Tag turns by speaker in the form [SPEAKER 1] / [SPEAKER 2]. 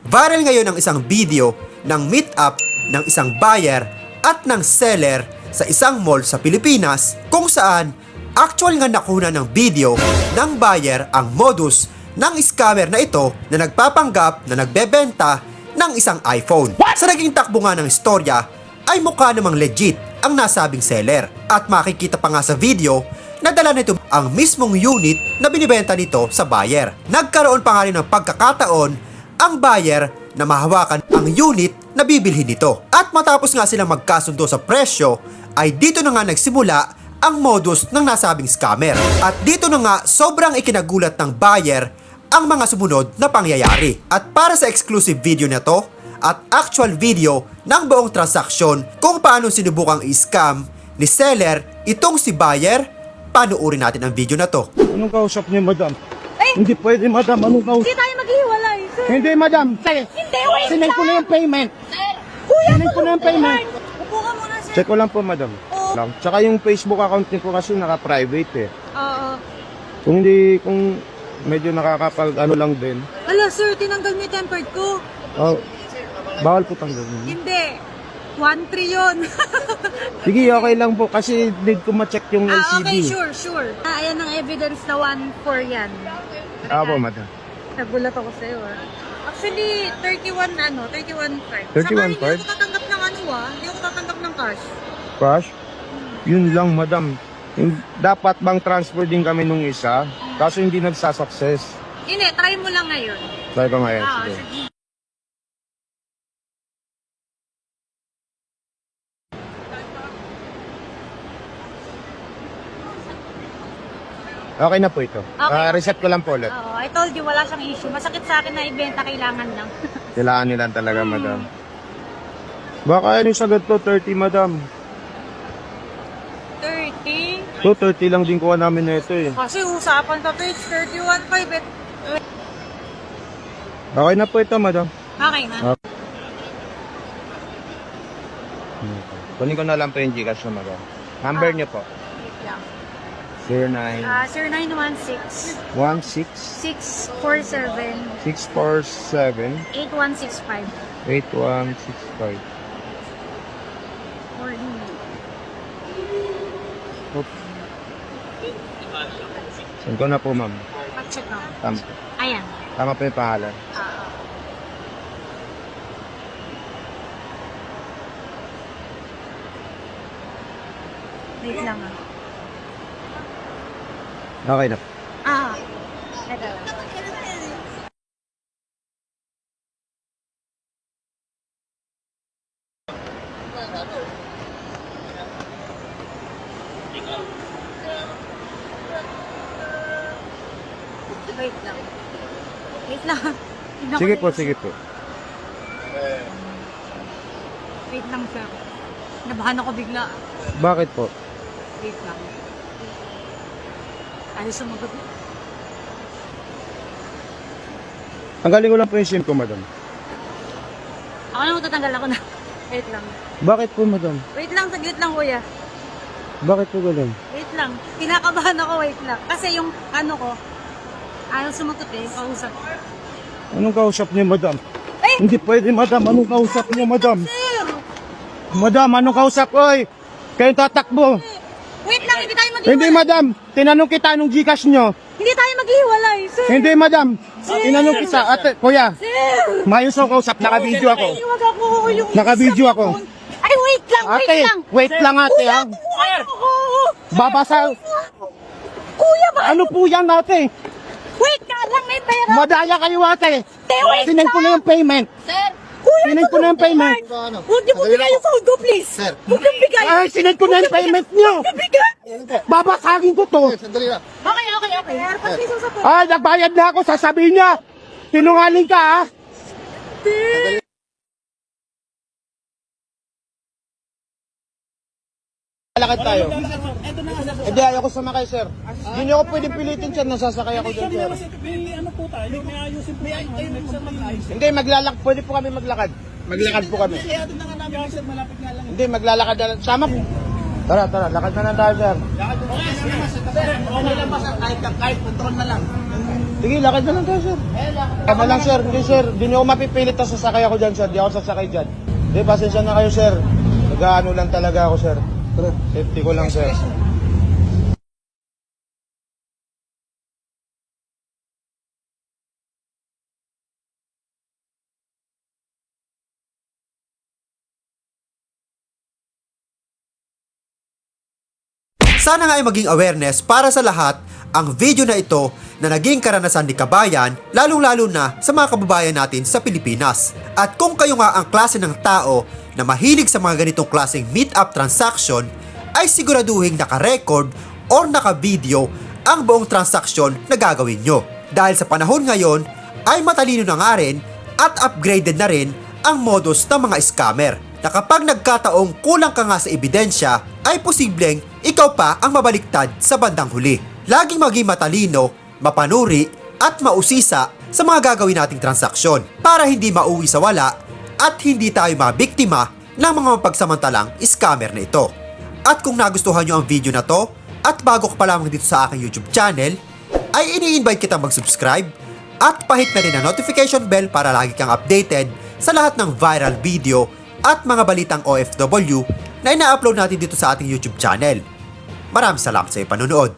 [SPEAKER 1] Viral ngayon ang isang video ng meet-up ng isang buyer at ng seller sa isang mall sa Pilipinas kung saan actual nga nakuna ng video ng buyer ang modus ng scammer na ito na nagpapanggap na nagbebenta ng isang iPhone. Sa naging takbo nga ng istorya ay mukha namang legit ang nasabing seller at makikita pa nga sa video na dala nito ang mismong unit na binibenta nito sa buyer. Nagkaroon pa nga rin ng pagkakataon ang buyer na mahawakan ang unit na bibilhin nito. At matapos nga silang magkasundo sa presyo ay dito na nga nagsimula ang modus ng nasabing scammer. At dito na nga sobrang ikinagulat ng buyer ang mga sumunod na pangyayari. At para sa exclusive video na to at actual video ng buong transaksyon kung paano sinubukang i-scam ni seller itong si buyer, panuorin natin ang video na to.
[SPEAKER 2] Anong kausap niyo, madam?
[SPEAKER 3] Ay!
[SPEAKER 2] Hindi pwede, madam. Anong kausap?
[SPEAKER 3] Hindi tayo maghiwalay, sir.
[SPEAKER 2] Hindi, madam.
[SPEAKER 3] Hindi, wait
[SPEAKER 2] Sinend ko na yung payment.
[SPEAKER 3] Sir, kuya
[SPEAKER 2] Sinend ko na yung payment.
[SPEAKER 3] Upo ka muna, sir.
[SPEAKER 2] Check ko lang po, madam.
[SPEAKER 3] Oo.
[SPEAKER 2] Lang. Tsaka yung Facebook account niyo po kasi naka-private eh.
[SPEAKER 3] Oo.
[SPEAKER 2] Kung medyo nakakapag ano lang din.
[SPEAKER 3] Hala, sir, tinanggal mo yung tempered ko.
[SPEAKER 2] Oh, bawal po tanggalin.
[SPEAKER 3] Hindi. 1-3 yun.
[SPEAKER 2] Sige, okay lang po kasi need ko ma-check yung LCD.
[SPEAKER 3] Okay, sure. Ayan ang evidence na 1-4 yan.
[SPEAKER 2] Po, madam.
[SPEAKER 3] Nagulat ako sa'yo, ah. Actually, 31 card.
[SPEAKER 2] 31
[SPEAKER 3] Saka hindi
[SPEAKER 2] card?
[SPEAKER 3] ako tatanggap ng hindi ako tatanggap ng cash.
[SPEAKER 2] Cash? Yun lang, madam. Dapat bang transfer din kami nung isa? Kaso hindi nagsasucess.
[SPEAKER 3] Hindi, try mo lang ngayon.
[SPEAKER 2] Try ko ngayon. Sige.
[SPEAKER 3] Sige.
[SPEAKER 2] Okay na po ito.
[SPEAKER 3] Okay.
[SPEAKER 2] Reset ko lang po ulit.
[SPEAKER 3] Oo, I told you, wala siyang issue. Masakit sa akin na ibenta, kailangan lang.
[SPEAKER 2] Kailangan nila talaga, madam. Baka ano yung sagot to, 30, madam.
[SPEAKER 3] 30?
[SPEAKER 2] So, 30 lang din kuha namin na ito eh.
[SPEAKER 3] Kasi usapan sa page, 31.5
[SPEAKER 2] Okay na po ito, madam.
[SPEAKER 3] Okay na.
[SPEAKER 2] Kunin ko na lang po yung Gcash na, madam. Number niyo po.
[SPEAKER 3] Wait lang.
[SPEAKER 2] 09
[SPEAKER 3] Sir 916
[SPEAKER 2] 16
[SPEAKER 3] 647
[SPEAKER 2] 647
[SPEAKER 3] 8165.
[SPEAKER 2] 8165.
[SPEAKER 3] Or
[SPEAKER 2] Oops. Send ko na po, ma'am.
[SPEAKER 3] check na.
[SPEAKER 2] Tama.
[SPEAKER 3] Ayan.
[SPEAKER 2] Tama po yung pangalan.
[SPEAKER 3] Wait lang, ah.
[SPEAKER 2] Okay na.
[SPEAKER 3] Ito lang. Wait lang. Wait lang. Tignan ko
[SPEAKER 2] Sige
[SPEAKER 3] na
[SPEAKER 2] po,
[SPEAKER 3] yung-
[SPEAKER 2] sige po.
[SPEAKER 3] Wait lang, sir. Nabahan ako bigla.
[SPEAKER 2] Bakit po?
[SPEAKER 3] Wait lang. Ayaw sumagot.
[SPEAKER 2] Tanggalin ko lang po yung SIM ko, madam.
[SPEAKER 3] Ako na matatanggal ako na. Wait lang.
[SPEAKER 2] Bakit po, madam?
[SPEAKER 3] Wait lang, saglit lang, kuya.
[SPEAKER 2] Bakit po ganun?
[SPEAKER 3] Wait lang. Kinakabahan ako, wait lang. Kasi yung ko, ayaw sumagot eh, kausap.
[SPEAKER 2] Anong kausap niyo, madam?
[SPEAKER 3] Ay!
[SPEAKER 2] Hindi pwede, madam. Anong kausap niyo, madam?
[SPEAKER 3] Sir!
[SPEAKER 2] Madam, anong kausap? Oy! Kayo tatakbo.
[SPEAKER 3] Wait lang, hindi tayo maghiwalay.
[SPEAKER 2] Hindi, madam. Tinanong kita anong Gcash nyo.
[SPEAKER 3] Hindi tayo maghiwalay, sir.
[SPEAKER 2] Hindi, madam. Tinanong kita. Ate, kuya.
[SPEAKER 3] Sir!
[SPEAKER 2] Mayos ang kausap. Naka-video ako.
[SPEAKER 3] Iwag ako yung...
[SPEAKER 2] Naka-video ako.
[SPEAKER 3] Ay, wait lang,
[SPEAKER 2] Ate,
[SPEAKER 3] wait lang.
[SPEAKER 2] wait lang, ate, ha?
[SPEAKER 3] Sir!
[SPEAKER 2] Babasa.
[SPEAKER 3] Kuya, ba?
[SPEAKER 2] Ano po yan, ate?
[SPEAKER 3] Wait ka lang, may pera.
[SPEAKER 2] Madaya kayo, ate.
[SPEAKER 3] Wait
[SPEAKER 2] Sinend ko na yung payment.
[SPEAKER 3] Sir! Kuya,
[SPEAKER 2] Sinend ko na yung payment.
[SPEAKER 3] huwag niyo po bigay yung phone ko, please. Sir. Huwag niyo bigay.
[SPEAKER 2] Ay, sinend ko na yung payment nyo.
[SPEAKER 3] Huwag niyo bigay.
[SPEAKER 2] Babasagin ko to.
[SPEAKER 3] Okay. Airpods piso sa phone.
[SPEAKER 2] Ay, nagbayad na ako. Sasabihin niya. Sinungaling ka, ha? Lakad tayo. Hindi, ayoko sumakay, sir. Hindi niyo ako pwedeng pilitin, sir. Nasasakay ako dyan, sir.
[SPEAKER 4] Ano po tayo? May ayusin po tayo.
[SPEAKER 2] Hindi, pwede po kami maglakad. Maglakad po kami.
[SPEAKER 4] Eh, atin na nga namin, sir, malapit nga lang.
[SPEAKER 2] Hindi, maglalakad na lang. Sama po. Tara, lakad na lang tayo, sir.
[SPEAKER 4] Okay lang ba, sir? Kahit control na lang.
[SPEAKER 2] Sige, lakad na lang tayo, sir. Tama lang, sir. Hindi, sir. Hindi niyo ako mapipilit na sasakay ako dyan, sir. Di ako sasakay dyan. Hindi, pasensya na kayo, sir. Nag-ano lang talaga ako, sir. Safety ko lang, sir.
[SPEAKER 1] Sana nga ay maging awareness para sa lahat ang video na ito na naging karanasan ni Kabayan, lalong-lalo na sa mga kababayan natin sa Pilipinas. At kung kayo nga ang klase ng tao na mahilig sa mga ganitong klaseng meet-up transaction, ay siguraduhin naka-record or naka-video ang buong transaction na gagawin nyo. Dahil sa panahon ngayon, ay matalino na nga rin at upgraded na rin ang modus ng mga scammer na kapag nagkataong kulang ka nga sa ebidensya, ay posibleng ikaw pa ang mabaliktad sa bandang huli. Laging maging matalino, mapanuri, at mausisa sa mga gagawin nating transaksyon para hindi mauwi sa wala at hindi tayo mabiktima ng mga mapagsamantalang scammer na ito. At kung nagustuhan nyo ang video na to, at bago ka pa lamang dito sa aking YouTube channel, ay ini-invite kita mag-subscribe at pahit na rin ang notification bell para lagi kang updated sa lahat ng viral video at mga balitang OFW na ina-upload natin dito sa ating YouTube channel. Maraming salamat sa iyong panonood.